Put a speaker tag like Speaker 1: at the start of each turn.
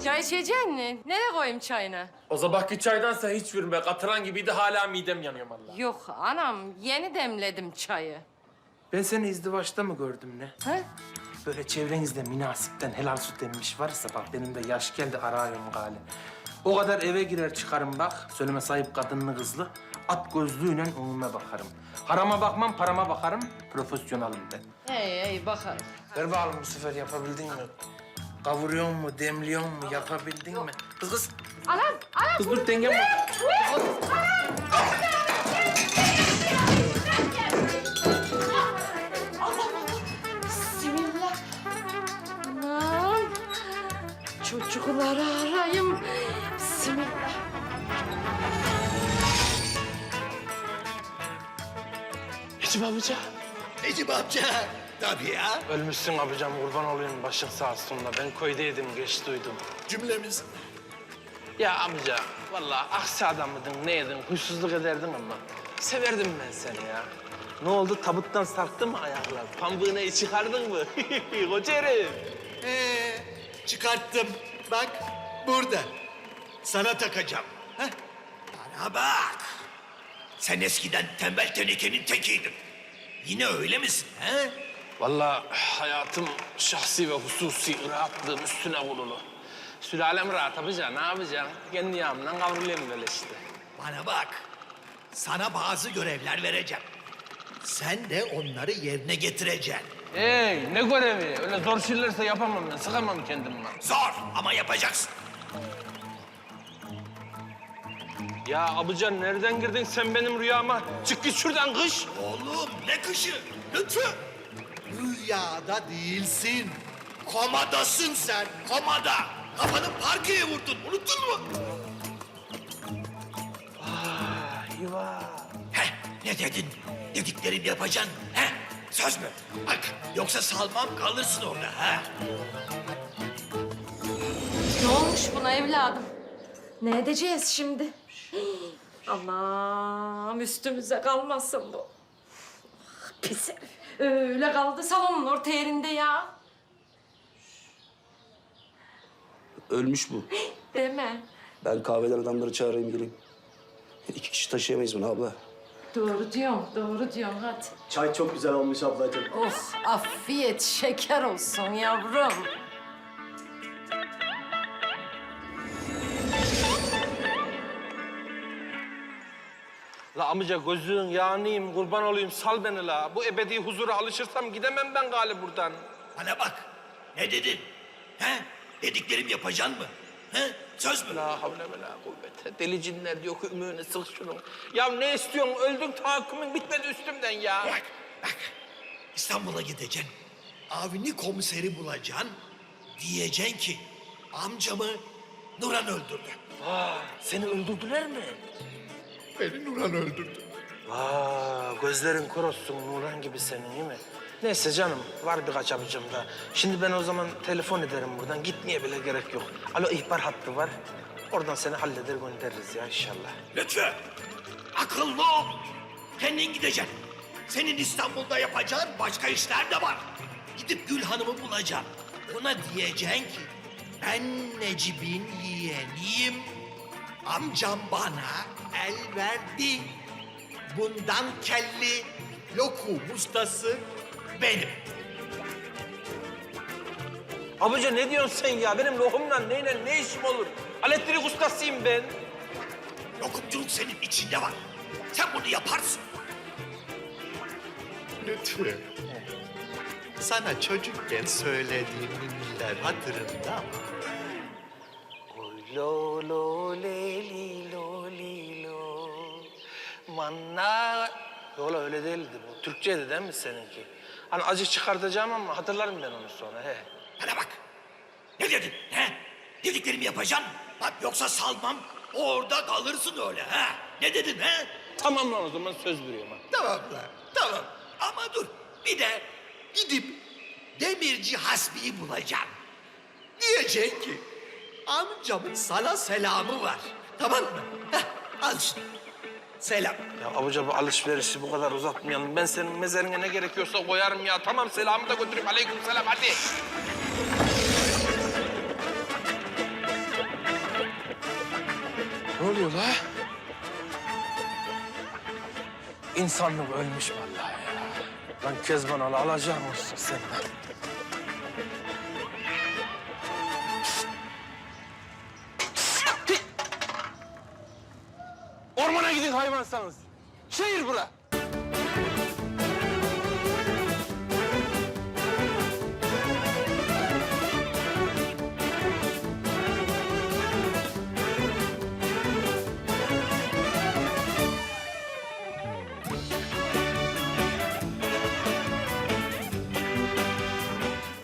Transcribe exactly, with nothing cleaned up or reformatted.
Speaker 1: Çay içecek misin? Nereye koyayım çayını?
Speaker 2: O sabahki çaydansa hiç verme. Katıran gibiydi, hala midem yanıyor vallahi.
Speaker 1: Yok anam, yeni demledim çayı.
Speaker 2: Ben seni izdivaçta mı gördüm ne?
Speaker 1: Ha?
Speaker 2: Böyle çevrenizde münasipten helal süt emmiş varsa bak benim de yaş geldi arıyorum gali. O kadar eve girer çıkarım bak, söyleme sahip kadınlı kızlı. At gözlüğüyle önüme bakarım. Harama bakmam, parama bakarım. Profesyonelim ben.
Speaker 1: Hey hey bakalım.
Speaker 2: Ver bakalım bu sefer yapabildin mi? Kavuruyor mu, demliyor mu, yapabildin mi? Kız kız.
Speaker 1: Anam, anam.
Speaker 2: Kız dur dengem var.
Speaker 1: Bismillah. Anam. Çocukları arayayım. Bismillah.
Speaker 2: Necip amca.
Speaker 3: Necip amca. Tabii ya.
Speaker 2: Ölmüşsün abicam, kurban olayım başın sağ olsun da. Ben köydeydim, geç duydum.
Speaker 3: Cümlemiz.
Speaker 2: Ya amca, vallahi aksi adam mıydın, neydin, huysuzluk ederdin ama severdim ben seni ya. Ne oldu, tabuttan sarktı mı ayaklar? Pambığını çıkardın mı? Koca herif.
Speaker 3: Ee, çıkarttım. Bak burada. Sana takacağım. Heh. Bana bak. Sen eskiden tembel tenekenin tekiydin. Yine öyle misin? He?
Speaker 2: Vallahi hayatım şahsi ve hususi rahatlığım üstüne kurulu. Sülalem rahat abica, ne yapacaksın? Kendi yağımdan kavrulayım böyle işte.
Speaker 3: Bana bak. Sana bazı görevler vereceğim. Sen de onları yerine getireceksin.
Speaker 2: Hey, ne görevi? Öyle zor şeylerse yapamam ben, sıkamam kendimi.
Speaker 3: Zor ama yapacaksın.
Speaker 2: Ya abican nereden girdin sen benim rüyama? Çık git şuradan kış.
Speaker 3: Oğlum ne kışı? Lütfü. Rüyada değilsin. Komadasın sen. Komada. Kafanı parkeye vurdun. Unuttun mu?
Speaker 2: Eyvah.
Speaker 3: Heh, ne dedin? Dediklerimi yapacaksın. Heh, söz mü? Bak, yoksa salmam kalırsın orada. Ha?
Speaker 1: Ne olmuş buna evladım? Ne edeceğiz şimdi? Hii, Allah'ım üstümüze kalmasın bu. Pis herif. Öyle kaldı salonun orta yerinde ya.
Speaker 4: Ölmüş bu.
Speaker 1: Deme.
Speaker 4: Ben kahveden adamları çağırayım geleyim. İki kişi taşıyamayız bunu abla.
Speaker 1: Doğru diyorsun, doğru diyorsun hadi.
Speaker 5: Çay çok güzel olmuş ablacığım.
Speaker 1: Of afiyet şeker olsun yavrum.
Speaker 2: La amca gözün yağınıyım, kurban olayım sal beni la. Bu ebedi huzura alışırsam gidemem ben gali buradan.
Speaker 3: Bana bak. Ne dedin? He? Dediklerimi yapacaksın mı? He? Söz mü?
Speaker 2: La havle ve la kuvvete. Deli cinler diyor ki ümüğünü sık şunu. Ya ne istiyorsun? Öldün tahakkümün bitmedi üstümden ya.
Speaker 3: Bak, bak. İstanbul'a gideceksin. Avni komiseri bulacaksın. Diyeceksin ki amcamı Nuran öldürdü.
Speaker 2: Aa, seni öldürdüler mi?
Speaker 3: Beni Nuran öldürdü.
Speaker 2: Aa, gözlerin kör olsun Nurhan gibi senin değil mi? Neyse canım, var birkaç abicim da. Şimdi ben o zaman telefon ederim buradan. Gitmeye bile gerek yok. Alo, ihbar hattı var. Oradan seni halleder göndeririz ya inşallah.
Speaker 3: Lütfü, akıllı ol. Kendin gideceksin. Senin İstanbul'da yapacağın başka işler de var. Gidip Gül Hanım'ı bulacaksın. Ona diyeceksin ki ben Necip'in yeğeniyim. Amcam bana el verdi. Bundan kelli lokum ustası benim.
Speaker 2: Abica ne diyorsun sen ya? Benim lokumla neyle ne işim olur? Elektrik ustasıyım ben.
Speaker 3: Lokumculuk senin içinde var. Sen bunu yaparsın. Lütfü. Sana çocukken söylediğim ninniler hatırında mı?
Speaker 2: Lo lo le li lo li lo manna. Yola öyle değildi bu. Türkçeydi değil mi seninki? Hani acı çıkartacağım ama hatırlarım ben onu sonra he.
Speaker 3: Bana bak. Ne dedin? He? Dediklerimi yapacaksın. Bak yoksa salmam. Orada kalırsın öyle. Ha? Ne dedin he?
Speaker 2: Tamam lan o zaman söz veriyorum ha.
Speaker 3: Tamam lan. Tamam. Ama dur. Bir de gidip Demirci Hasbi'yi bulacaksın. Diyecek ki amcamın sana selamı var. Tamam mı? Heh, al şunu. Selam.
Speaker 2: Ya abuca bu alışverişi bu kadar uzatmayalım. Ben senin mezarına ne gerekiyorsa koyarım ya. Tamam selamı da götüreyim. Aleyküm selam hadi. Ne oluyor la? İnsanlık ölmüş vallahi ya. Lan Kezban al, alacağım olsun senden. Ormana gidin hayvansanız. Şehir bura.